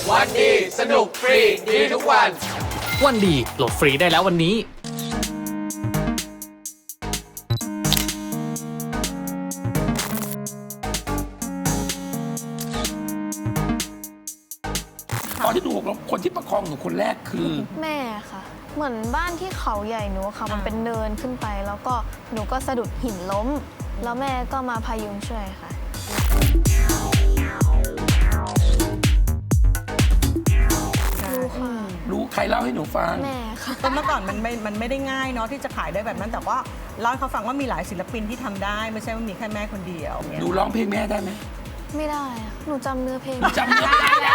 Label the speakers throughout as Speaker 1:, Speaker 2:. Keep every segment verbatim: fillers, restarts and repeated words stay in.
Speaker 1: วันดีสนุกฟรีดีทุกวัน
Speaker 2: วันดีโหลดฟรีได้แล้ววันนี้
Speaker 3: ตอนที่หนูหกล้มคนที่ประคองหนูคนแรกคือ
Speaker 4: แม่ค่ะ เหมือนบ้านที่เขาใหญ่หนูค่ะ มันเป็นเนินขึ้นไป แล้วก็หนูก็สะดุดหินล้ม แล้วแม่ก็มาพยุงช่วยค่ะรู้ค่ะ
Speaker 3: รู้ใครเล่าให้หนูฟัง
Speaker 4: แม่ค่ะ
Speaker 5: ก็เมื่อก่อนมันไม่มันไม่ได้ง่ายเนาะที่จะขายได้แบบนั้น แต่ว่าเล่าให้เขาฟังว่ามีหลายศิลปินที่ทำได้ ไม่ใช่ว่ามีแค่แม่คนเดียวเนี่ย
Speaker 3: หนูร้องเพลงแม่ได้ไหม
Speaker 4: ไม่ได้ค่ะหนูจำเนื้อเพลง
Speaker 3: จำไม่ได้แล้ว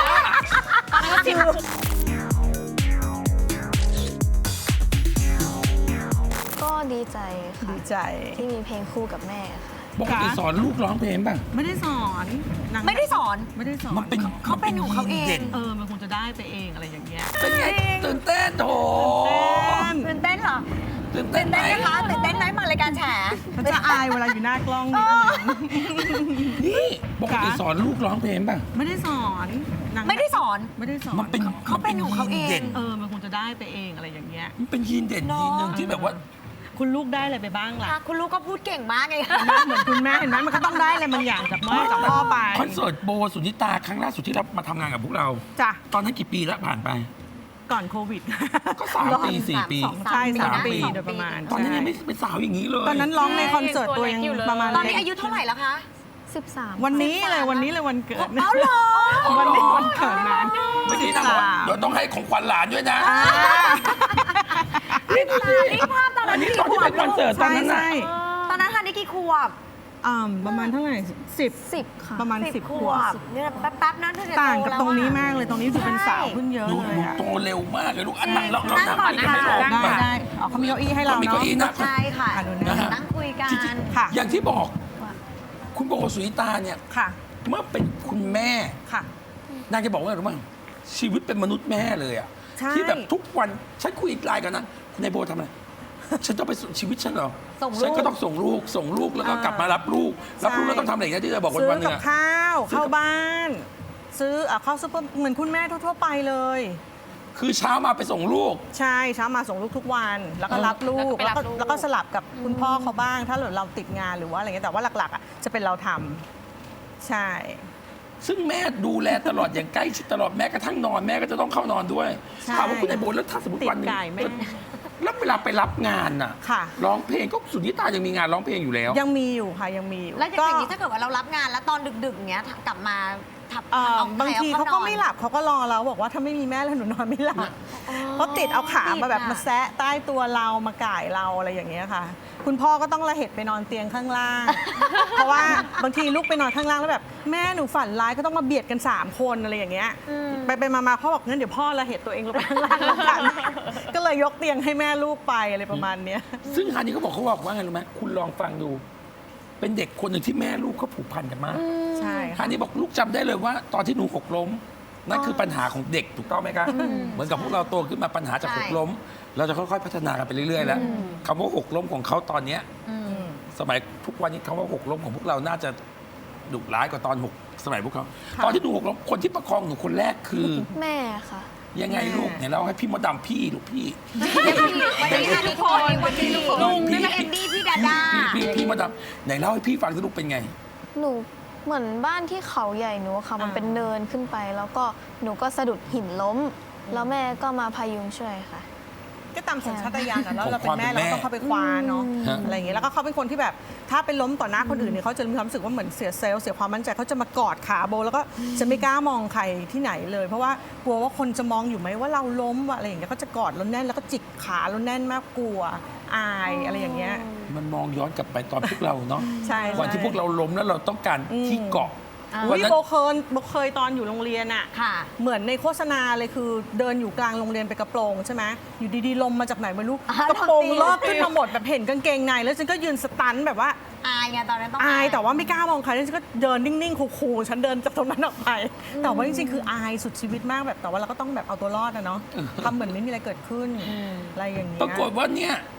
Speaker 4: ก็ดีใจค่ะ
Speaker 5: ดีใจ
Speaker 4: ที่มีเพลงคู่กับแม่ค่ะ
Speaker 3: ปกติสอนลูกร้องเพลงป่ะ
Speaker 5: ไม่ได้สอนนาง
Speaker 6: ไม่ได้สอน
Speaker 5: ไม่ได้สอน
Speaker 3: มันเป็น
Speaker 6: เขาเป็นของเขาเอง
Speaker 3: ด่น
Speaker 5: เออมันคงจะได้ไปเองอะไรอย่างเงี้ย
Speaker 3: เป็นไงตื่นเต้นโถ
Speaker 6: ตื่นเต้นเหรอ
Speaker 3: ตื่นเต้นไหม
Speaker 6: เต้นนะคะตื่นเต้นไหมมารายการแฉ
Speaker 5: เขาจะอายเวลาอยู่หน้ากล้องนิดนึง
Speaker 3: นี่ปกติสอนลูกร้องเพลงป่ะ
Speaker 5: ไม่ได้สอนนาง
Speaker 6: ไม่ได้สอน
Speaker 5: ไม่ได้สอน
Speaker 3: มันเป็น
Speaker 6: เขาเป็นของเขาเอง
Speaker 3: ด่น
Speaker 5: เออมันคงจะได้ไปเองอะไรอย่างเงี้ย
Speaker 3: มันเป็นยีนเด่นยีนหนึ่งที่แบบว่า
Speaker 5: คุณลูกได้อะไรไปบ้างล่ะ
Speaker 6: ค่ะคุณลูกก็พูดเก่งมากไง
Speaker 5: เหมือนคุณแม่เห็นไหมมันก็ต้องได้อะไรบางอย่างจากแม่จากพ่อไป
Speaker 3: คอนเสิร์ตโบสุนิตาครั้งล่าสุดที่เรามาทำงานกับพวกเรา
Speaker 5: จ้ะ
Speaker 3: ตอนนั้นกี่ปีแล้วผ่านไป
Speaker 5: ก่อนโควิด
Speaker 3: ก็สามปีสี่ปี
Speaker 6: สาม
Speaker 5: ใช่สาม
Speaker 6: สามปี
Speaker 5: ปีโดยประมาณ
Speaker 3: ตอนนั้นยังไม่
Speaker 5: ใช่
Speaker 3: เป็นสาวอย่างนี้เลย
Speaker 5: ตอนนั้นร้องในคอนเสิร์ตตัวยังประมาณ
Speaker 6: ตอนนี้
Speaker 5: เล็ก
Speaker 6: อายุเท่าไหร่แล้วคะ
Speaker 4: สิบสาม
Speaker 5: วันนี้เลยวันนี้เลยวันเกิด
Speaker 6: เอาเหรอ
Speaker 5: วันนี้วันเกิดนั้น
Speaker 3: เมื่อกี้นางบอกว่าเดี๋ยวต้องให้ของขวัญหลานด้วยนะ
Speaker 5: อ่า
Speaker 6: นี่ภาพตอน
Speaker 3: อั
Speaker 6: นั้น น
Speaker 3: นี้
Speaker 6: กี่
Speaker 3: ตอน
Speaker 6: ข
Speaker 3: ที่
Speaker 6: ว
Speaker 3: เป็
Speaker 6: บ
Speaker 3: นคอนเสิร์ตตอน
Speaker 5: ใช่
Speaker 3: นั้นน่ะ
Speaker 5: ใช่
Speaker 6: ตอนนั้นทันได้กี่ขวบ
Speaker 5: อ่าประมาณเท่าไหร่สิบ
Speaker 4: สิบค่ะ
Speaker 5: ประมาณสิบขวบ
Speaker 6: เนี่ยแป๊บๆนั้นเธอจะ
Speaker 5: ต่างกับ
Speaker 6: โ
Speaker 5: ตรงนี้มากเลยตรงนี้ดูเป็นสาวขึ้นเยอะ
Speaker 3: หนู
Speaker 5: เล
Speaker 3: หนู
Speaker 5: ยอะ
Speaker 3: โตเร็วมากเลยลูกอันนั้นเราเรา
Speaker 6: นั่งก่อน
Speaker 3: คุยกันไม่ลง
Speaker 5: ได้
Speaker 3: มา
Speaker 5: ได้อ๋อเขามีเก้าอี้ให้เรา
Speaker 3: เขามี
Speaker 5: เนาะ
Speaker 3: เก้าอี้นะ
Speaker 6: ใช่ค่ะ
Speaker 5: อ่ะดูนะ
Speaker 3: นะฮะ
Speaker 6: นั่งคุยกัน
Speaker 3: จริง
Speaker 5: ค่ะ
Speaker 3: ๆอย่างที่บอก คุณโบสุนิตาเนี่ย
Speaker 5: ค่ะ
Speaker 3: เมื่อเป็นคุณแม่
Speaker 5: ค่ะ
Speaker 3: นางจะบอกว่าอะไรรู้มั้ยชีวิตเป็นมนุษย์แม่เลยอะ
Speaker 5: ใช่
Speaker 3: ที่แบบทุกวันฉันคุยไลน์กันนะคุณนายโบทำอะไรฉันต้องไปสู่ชีวิตฉันเหรอ
Speaker 6: ส่งลูก
Speaker 3: ฉันก็ต้องส่งลูกส่งลูกแล้วก็กลับมารับลูกรับลูกแล้วต้องทำอะไรนะที่เธอบอกวัน
Speaker 5: ซื้อ
Speaker 3: วันหนึ
Speaker 5: กับ
Speaker 3: งอะ
Speaker 5: ข้าว
Speaker 3: ซื้อกับ
Speaker 5: เข้าบ้าน ซื้ออ่ะเข้าซุปเปอร์เหมือนคุณแม่ทั่วๆไปเลย
Speaker 3: คือเช้ามาไปส่งลูก
Speaker 5: ใช่เช้ามาส่งลูกทุกวัน แล้วก็รับลูก
Speaker 6: แล้วก็
Speaker 5: แล้ว
Speaker 6: ไปรับลูก
Speaker 5: ก็แล้วก็สลับกับคุณพ่อเขาบ้าง ถ้าเราติดงานหรือว่าอะไรเงี้ยแต่ว่าหลักๆอ่ะจะเป็นเราทำใช่
Speaker 3: ซึ่งแม่ดูแลตลอดอย่างใกล้ชิดตลอดแม้กระทั่งนอนแม่ก็จะต้องเข้านอนด้วย
Speaker 5: ใช่
Speaker 3: ถามว่าคุณนายโบแล้วถ้าสมมติ
Speaker 5: ติด
Speaker 3: วันหนึง
Speaker 5: ไก่แม่
Speaker 3: แล้วเวลาไปรับงานน่ะ
Speaker 5: ค่ะ
Speaker 3: ร้องเพลงก็สุนิตายังมีงานร้องเพลงอยู่แล้ว
Speaker 5: ยังมีอยู่ค่ะยังมีอยู่
Speaker 6: แล้วอย่างนี้ถ้าเกิดว่าเรารับงานแล้วตอนดึกๆเงี้ยกลับมาทับ
Speaker 5: เอ่อ
Speaker 6: เอา
Speaker 5: บางที
Speaker 6: ใคร
Speaker 5: เขา
Speaker 6: น
Speaker 5: ก็
Speaker 6: อน
Speaker 5: ไม่หลับเขาก็รอเราบอกว่าถ้าไม่มีแม่แล้วหนูนอนไม่หลับเขาติดเอาขามาแบบมาแซะใต้ตัวเรามาก่ายเราอะไรอย่างเงี้ยค่ะ คุณพ่อก็ต้องระเหตุไปนอนเตียงข้างล่าง เพราะว่าบางทีลูกไปนอนข้างล่างแล้วแบบแม่หนูฝันร้ายก็ต้องมาเบียดกันสามคนอะไรอย่างเงี้ยไปไปมามาพ่อบอกงั้นเดี๋ยวพ่อระเหตุตัวเองลงไปข้างล่างแล้วกัน ก็เลยยกเตียงให้แม่ลูกไปอะไรประมาณเนี้ย
Speaker 3: ซึ่งฮันนี่เขาบอกเขาบอกว่าไงรู้ไหมคุณลองฟังดู เป็นเด็กคนหนึ่งที่แม่ลูกเขาผูกพันกันมาก
Speaker 5: ใช่
Speaker 3: ฮันนี่บอกลูกจำได้เลยว่า ตอนที่หนูหกล้มนั่นคือปัญหาของเด็กถูกต้องไหมคะเหมือนกับพวกเราโตขึ้นมาปัญหาจากหกล้ม เราจะค่อยๆพัฒนากันไปเรื่อยๆแล้วคำว่าหกล้มของเขาตอนเนี้ยสมัยทุกวันนี้คำว่าหกล้มของพวกเราน่าจะดุร้ายกว่าตอนหกสมัยพวกเขาตอนที่หนูหกล้มคนที่ประคองหนูคนแรกคือ
Speaker 4: แม่ค่ะ
Speaker 3: ยังไงลูกเนี่ยเราให้พี่มดดำพี่ลูกพี่
Speaker 6: วันนี้ค่ะทุกคนวันนี้ลุงนี่มาเอ็มดี้พี่ดาดา
Speaker 3: พี่พี่พี่มดดำไหนเล่าให้พี่ฟังสิลูกเป็นไง
Speaker 4: หนูเหมือนบ้านที่เขาใหญ่หนูค่ะ มันเป็นเนินขึ้นไป แล้วก็หนูก็สะดุดหินล้ม แล้วแม่ก็มาพยุงช่วยค่ะ
Speaker 5: ก็ตามสัญชาตญาณอะแล้วเรา
Speaker 3: ข
Speaker 5: เป็
Speaker 3: อง
Speaker 5: น
Speaker 3: ความ
Speaker 5: แม่
Speaker 3: เป็นแม่
Speaker 5: เราก็ต้องเข้าไปคว้าเนาะ
Speaker 3: ฮะ
Speaker 5: อะไรอย่างเงี้ยแล้วก็เขาเป็นคนที่แบบถ้าไปล้มต่อหน้าคนอื่นเนี่ยเขาจะมีความรู้สึกว่าเหมือนเสียเซลล์เสียความมั่นใจเขาจะมากอดขาโบ แล้วก็จะไม่กล้ามองใครที่ไหนเลย เพราะว่ากลัวว่าคนจะมองอยู่ไหมว่าเราล้มว่าอะไรอย่างเงี้ยเขาจะกอดเราแน่นแล้วก็จิกขาเราแน่นมากกลัวอายอะไรอย่างเงี้ย
Speaker 3: มันมองย้อนกลับไปตอนพวกเราเนาะ
Speaker 5: ใช่
Speaker 3: วันที่พวกเราล้มแล้วเราต้องการที่เกาะ
Speaker 5: อุ้
Speaker 3: วัน
Speaker 5: ย
Speaker 3: นั้น
Speaker 5: โบเคยโบเคยตอนอยู่โรงเรียนอะ
Speaker 6: ค่ะ
Speaker 5: เหมือนในโฆษณาเลยคือเดินอยู่กลางโรงเรียนไปกระโปรงใช่ไหมอยู่ดีๆลมมาจากไหนไม่รู้
Speaker 6: อ่าก
Speaker 5: ระโปรง
Speaker 6: โดนตี
Speaker 5: ลอกขึ้นมาหมดแบบเห็นกางเกงในแล้วฉันก็ยืนสตันแบบว่า
Speaker 6: อายไงตอนนั้นต้อง
Speaker 5: อายแต่ว่าไม่กล้ามองใครแล้วฉันก็เดินนิ่งๆคูลๆฉันเดินจากตรงนั้นออกไป แต่ว่าจริงๆคืออายสุดชีวิตมากแบบแต่ว่าเราก็ต้องแบบเอาตัวรอดนะเนาะทำเหมือนไม่มีอะไรเกิดขึ้นอะไรอย่างเงี้ย
Speaker 3: ปรากฏว่าเนี่ย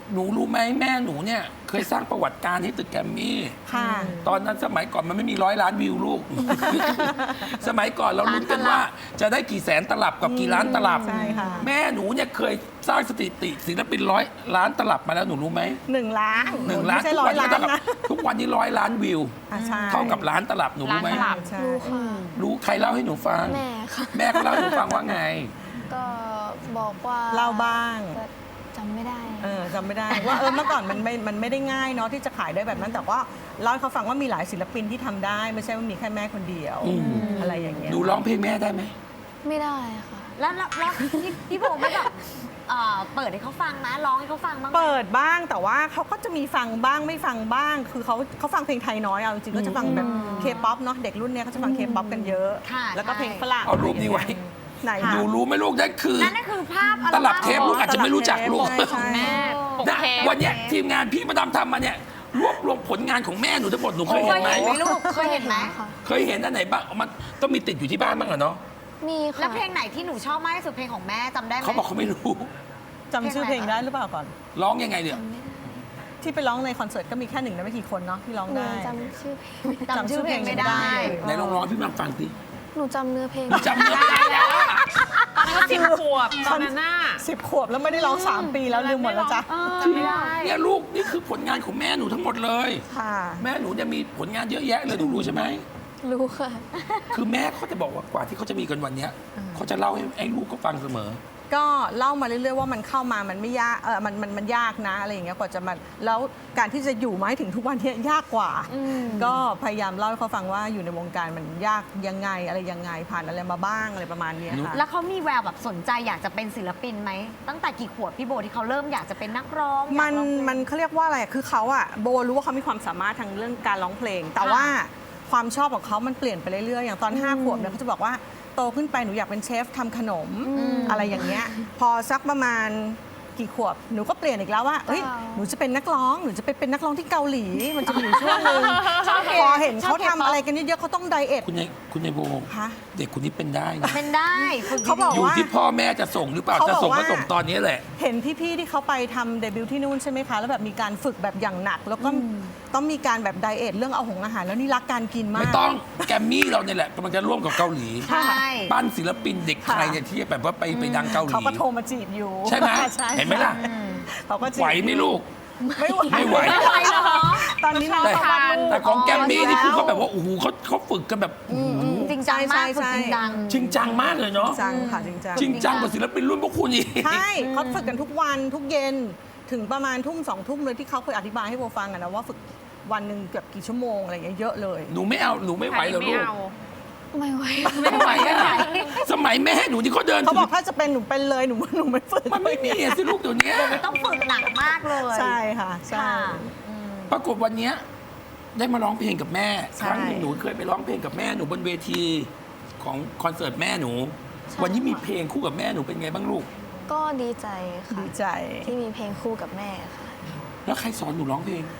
Speaker 3: หนูรู้ไหมแม่หนูเนี่ยเคยสร้างประวัติการให้ตึกแกรมมี่
Speaker 5: ค่ะ
Speaker 3: ตอนนั้นสมัยก่อนมันไม่มีร้อยล้านวิวลูก สมัยก่อนเราลุ้นกันว่าจะได้กี่แสนตลับกับกี่ล้านตลับ
Speaker 5: ใช่ค่ะ
Speaker 3: แม่หนูเนี่ยเคยสร้างสถิติศิลปินร้อยล้านตลับมาแล้วหนูรู้ไหม
Speaker 5: หนึ่งล้าน
Speaker 3: หนึ่งล้าน
Speaker 5: ไม่ใช่
Speaker 3: ทุก
Speaker 5: ร้อ
Speaker 3: วั
Speaker 5: ย
Speaker 3: นี้
Speaker 5: ล้า
Speaker 3: ก็
Speaker 5: น
Speaker 3: เท่ากับ
Speaker 5: นะ
Speaker 3: ทุกวันนี้ร้อยล้านวิว
Speaker 5: อ่ะใช่
Speaker 3: เท่ากับล้านตลับหนูรู้ไหม
Speaker 6: ล้านตลับ
Speaker 5: ใช่
Speaker 4: รู้ค่ะ
Speaker 3: รู้ใครเล่าให้หนูฟัง
Speaker 4: แม่ค่ะ
Speaker 3: แม่ก็เล่าให้หนูฟังว่าไง
Speaker 4: ก็บอกว่า
Speaker 5: เล่าบ้าง
Speaker 4: แต่จำไม่ได้
Speaker 5: เออจำไม่ได้ ว่าเออเมื่อก่อนมันไม่มันไม่ได้ง่ายเนาะที่จะขายได้แบบนั้น แต่ว่าเล่าให้เขาฟังว่ามีหลายศิลปินที่ทำได้ ไม่ใช่ว่ามีแค่แม่คนเดียว
Speaker 3: อืม
Speaker 5: อะไรอย่างเงี้ย
Speaker 3: หนูร้องเพลงแม่ได้ไหม
Speaker 4: ไม่ได้ค่ะ
Speaker 6: แล้วแล้วแล้วพี่พี่โบไม่แบบเอ่อเปิดให้เขาฟังนะร้องให้เขาฟังบ้างไหม
Speaker 5: เปิดบ้างแต่ว่าเขาก็จะมีฟังบ้างไม่ฟังบ้าง คือเขาเขาฟังเพลงไทยน้อยเอาจริงๆก็จะฟังแบบเคป๊อปเนาะเด็กรุ่นเนี้ยเขาจะฟังเคป๊อปกันเยอะ
Speaker 6: ค่ะ
Speaker 5: แล้วก็เพลงฝรั่ง
Speaker 3: เอารูปนี้ไว้
Speaker 5: ไหน
Speaker 3: หนูรู้ไหมลูกนั่นคือ
Speaker 6: นั่นนั่นคือภาพอั
Speaker 3: ต
Speaker 6: ล
Speaker 3: ลั
Speaker 6: บั้
Speaker 3: บ
Speaker 6: ม
Speaker 3: เทปลูกอาจจะไม่รู้จักลูก
Speaker 5: ใช่ใช่
Speaker 7: แม่ปก
Speaker 3: นะ
Speaker 7: เทป
Speaker 3: วันเนี้ยทีมงานพี่มาดามทำมาเนี่ยรวบรวมผลงานของแม่หนูทั้งหมดหนูเคย
Speaker 6: เค
Speaker 3: เห็น
Speaker 6: ย
Speaker 3: ไหม
Speaker 6: เห็นไหมลูกเคยเห็นไหม
Speaker 4: ค่ะ
Speaker 3: เคยเห็นอันไหนบ้างมันต้องมีติดอยู่ที่บ้านบ้างเหรอเนาะ
Speaker 4: มีค่ะ
Speaker 6: แล้วเพลงไหนที่หนูชอบมากที่สุดเพลงของแม่จำได้ไหม
Speaker 3: เขาบอกเขาไม่รู้
Speaker 5: จำชื่อเพลงได้หรือเปล่าก่อน
Speaker 3: ร้องยังไงเนี่ย
Speaker 5: ที่ไปร้องในคอนเสิร์ตก็มีแค่หนึ่งในไม่กี่คนเนาะที่ร้อง
Speaker 4: หนู
Speaker 5: ได้
Speaker 4: จำชื่อเพลงไม่ได้
Speaker 6: จำชื่อเพลงไม่ได้
Speaker 3: ไหนลองร้องให้พี่มาฟังสิ
Speaker 4: หนูจำเนื้อเพลง
Speaker 3: หนูจำเนื้อไม่ได้แล้วอะ
Speaker 7: ตอนนั้นก็สิบขวบตอนนั้นน่ะ
Speaker 5: สิบขวบแล้วไม่ได้ร้องสามปีแล้วลืมหมดแล้วจ้ะ
Speaker 7: เออจำไม่ได้
Speaker 3: เนี่ยลูกนี่คือผลงานของแม่หนูทั้งหมดเลย
Speaker 5: ค่ะ
Speaker 3: แม่หนูเนี่ยมีผลงานเยอะแยะเลยหนูรู้ใช่ไหม
Speaker 4: รู้ค่ะ
Speaker 3: คือแม่เขาจะบอกว่ากว่าที่เขาจะมีกันวันเนี้ยเขาจะเล่าให้ไอ้ลูกเขาฟังเสมอ
Speaker 5: ก็เล่ามาเรื่อยๆว่ามันเข้ามามันไม่ยากเออมันมันมันยากนะอะไรอย่างเงี้ยกว่าจะมาแล้วการที่จะอยู่มาให้ถึงทุกวันเนี้ยยากกว่า ก็พยายามเล่าให้เขาฟังว่าอยู่ในวงการมันยากยังไงอะไรยังไงผ่านอะไรมาบ้างอะไรประมาณเนี้ยค่ะ
Speaker 6: แล้วเขามีแววแบบสนใจอยากจะเป็นศิลปินไหมตั้งแต่กี่ขวบพี่โบที่เขาเริ่มอยากจะเป็นนักร้องอยาก
Speaker 5: มัน
Speaker 6: ร้องเพลง
Speaker 5: มันเขาเรียกว่าอะไรคือเขาอะโบรู้ว่าเขามีความสามารถทางเรื่องการร้องเพลง แต่ว่าความชอบของเขามันเปลี่ยนไปเรื่อยๆอย่างตอนห้าขวบเนี่ยเขาจะบอกว่าโตขึ้นไปหนูอยากเป็นเชฟทำขนมอะไรอย่างเงี้ยพอสักประมาณกี่ขวบหนูก็เปลี่ยนอีกแล้วว่าเฮ้ย
Speaker 4: ว้าว
Speaker 5: หนูจะเป็นนักร้องหนูจะไปเป็นนักร้องที่เกาหลีมันจะมีอยู่ช่วงหนึงพอเห็นเขาทำอะไรกันเยอะๆเขาต้องไดเอท
Speaker 3: คุณยายคุณยายโบ
Speaker 5: ฮะ
Speaker 3: เด็กคนนี้เป็นได้นะ
Speaker 6: เป็นได้ฝึก
Speaker 5: เขาบอก
Speaker 3: อยู่ที่พ่อแม่จะส่งหรือเปล่า
Speaker 5: เขา
Speaker 3: จะ
Speaker 5: บอก
Speaker 3: ส่งก็
Speaker 5: ว่า
Speaker 3: ส่งตอนนี้แหละ
Speaker 5: เห็นพี่ๆที่เขาไปทำเดบิวต์ที่นู่นใช่ไหมคะ แล้วแบบมีการฝึกแบบอย่างหนัก แล้วก็ต้องมีการแบบไดเอทเรื่องเอาหงอาหาร แล้วนี่รักการกินมาก
Speaker 3: ไม่ต้องแกรมมี่เราเนี่ยแหละกำลังจะร่วมกับเกาหลี
Speaker 6: ใช่
Speaker 3: ปั้นศิลปินเด็กไทยเนี่ยที่แบบว่าไปไปดังเกาหลี
Speaker 5: เขาก็โทรมาจีบอยู่
Speaker 3: ใช่ไหม
Speaker 5: ใช่
Speaker 3: เห็นไหมล่ะ
Speaker 5: เขาก็จีบ
Speaker 3: ไหวไหมลูก
Speaker 5: ไม่ไหว
Speaker 3: ไม่ไหว
Speaker 6: อะไรเหรอ
Speaker 5: ตอนนี้น้อง
Speaker 3: แต่
Speaker 5: เขาวาดรูป
Speaker 3: แต่ของแกรมมี่นี่
Speaker 5: แล้ว
Speaker 3: คือเขาแบบว่าโอ้โหเขาเขาฝึกกันแบบโอ้โห
Speaker 6: จริงจังมาก
Speaker 5: ใช่
Speaker 6: ฝึก
Speaker 5: ใช่
Speaker 6: จริงจัง
Speaker 3: จริงจังมากเลยเนาะ
Speaker 5: จังค่ะจริงจัง
Speaker 3: จริงจังกว่าศิลปินรุ่นพวกคุณอีก
Speaker 5: ใช่เขาฝึกกันทุกวันทุกเย็นถึงประมาณทุ่มสองทุ่มเลยที่เขาเคยอธิบายให้โบฟังอะนะว่าฝึกวันหนึ่งเกือบกี่ชั่วโมงอะไรอย่างเงี้ยเยอะเลย
Speaker 3: หนูไม่เอาหนูไม่ไหวเหรอ
Speaker 7: ไม่
Speaker 3: ลูก
Speaker 7: เอา
Speaker 4: ไม่ไหว
Speaker 3: ไม่ไหวอะสมัยแม่หนูที่เขาเดิน
Speaker 5: เขาบอกถ้าจะเป็นหนูเป็นเลยหนูหนูไม่ฝึก
Speaker 3: มันไม่มีอะสิลูกเดี๋ยวนี้
Speaker 6: ต้องฝึกหนักมากเลย
Speaker 5: ใช่ค่ะใช่
Speaker 6: ค่ะ
Speaker 3: ปรากฏวันเนี้ยได้มาร้องเพลงกับแม่
Speaker 5: ใช่
Speaker 3: ครั้งหนึงหนูเคยไปร้องเพลงกับแม่หนูบนเวทีของคอนเสิร์ตแม่หนู
Speaker 4: ใช่
Speaker 3: วันนี้มีเพลงคู่กับแม่หนูเป็นไงบ้างลูก
Speaker 4: ก็ดีใจค่ะ
Speaker 5: ดีใจ
Speaker 4: ที่มีเพลงคู่กับแม่ค่ะ
Speaker 3: แล้วใครสอนหนูร้องเพลง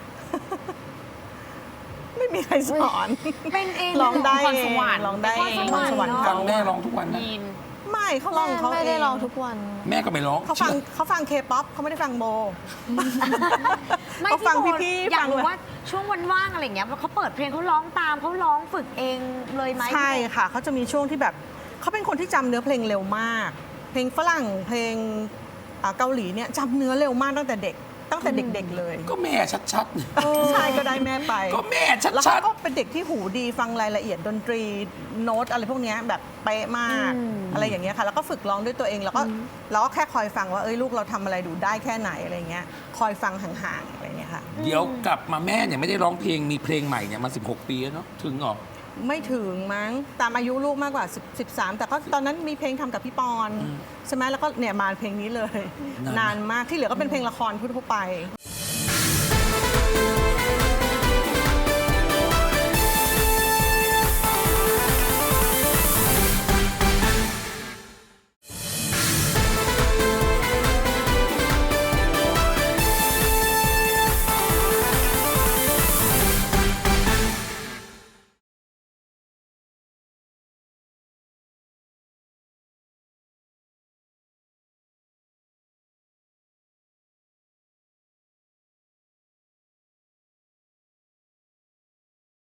Speaker 5: ไม่มีใครสอน
Speaker 6: เป็นเอง
Speaker 5: ร้องได้
Speaker 7: พร
Speaker 5: เอ
Speaker 7: ส
Speaker 5: ง
Speaker 7: วรรค์
Speaker 5: ร้องได้
Speaker 6: พรสวรรค์
Speaker 5: พสวรรค์
Speaker 6: เนอะ
Speaker 3: ฟังแม่ร้องทุกวันนะ
Speaker 7: ยีน
Speaker 5: ไม่เขาร้องของเขา
Speaker 4: ไม่ได้
Speaker 5: เ
Speaker 4: ร้องทุกวัน
Speaker 3: แม่ก็ไม่ร้อง
Speaker 5: เขาฟังเขาฟังเคป๊อปเขาไม่ได้ฟังโบ
Speaker 6: ไม่
Speaker 5: เขาฟัง
Speaker 6: โบ
Speaker 5: พี่ๆ
Speaker 6: อยา
Speaker 5: ฟั
Speaker 6: ก
Speaker 5: ง
Speaker 6: รู้
Speaker 5: เลย
Speaker 6: ว่าช่วงวันว่างอะไรอย่างเงี้ยเขาเปิดเพลงเขาร้องตามเขาร้องฝึกเองเลยไหม
Speaker 5: ใช่ค่ะเขาจะมีช่วงที่แบบเขาเป็นคนที่จำเนื้อเพลงเร็วมาก เพลงฝรั่งเพลงอ่าเกาหลีเนี่ยจำเนื้อเร็วมากตั้งแต่เด็ก ตั้งแต่เด็ก ๆ เลย
Speaker 3: ก็แม่ชัด
Speaker 5: ใช่ก็ได้แม่ไป
Speaker 3: ๆ ก็แม่ชั
Speaker 5: แล้วเขา
Speaker 3: ด
Speaker 5: ก็เป็นเด็กที่หูดีฟังรายละเอียดดนตรีโน้ตอะไรพวกเนี้ยแบบเป๊ะมาก อะไรอย่างเงี้ยค่ะ แล้วก็ฝึกร้องด้วยตัวเองแล้วก็เราก็แค่คอยฟังว่าเอ้ยลูกเราทำอะไรดูได้แค่ไหนอะไรเงี้ยคอยฟังห่างๆอะไรเงี้ยค่ะ
Speaker 3: ๆ เดี๋ยวกลับมาแม่เนี่ยไม่ได้ร้องเพลงมีเพลงใหม่เนี่ยมาสิบหกปีแล้วเนาะถึงเหรอ
Speaker 5: ไม่ถึงมั้งตามอายุลูกมากกว่า10 13 แต่ก็ตอนนั้นมีเพลงทำกับพี่ปอนใช่ไหมแล้วก็เนี่ยมาเพลงนี้เลย
Speaker 3: นาน
Speaker 5: นานมากที่เหลือก็เป็นเพลงละครทั่วๆไป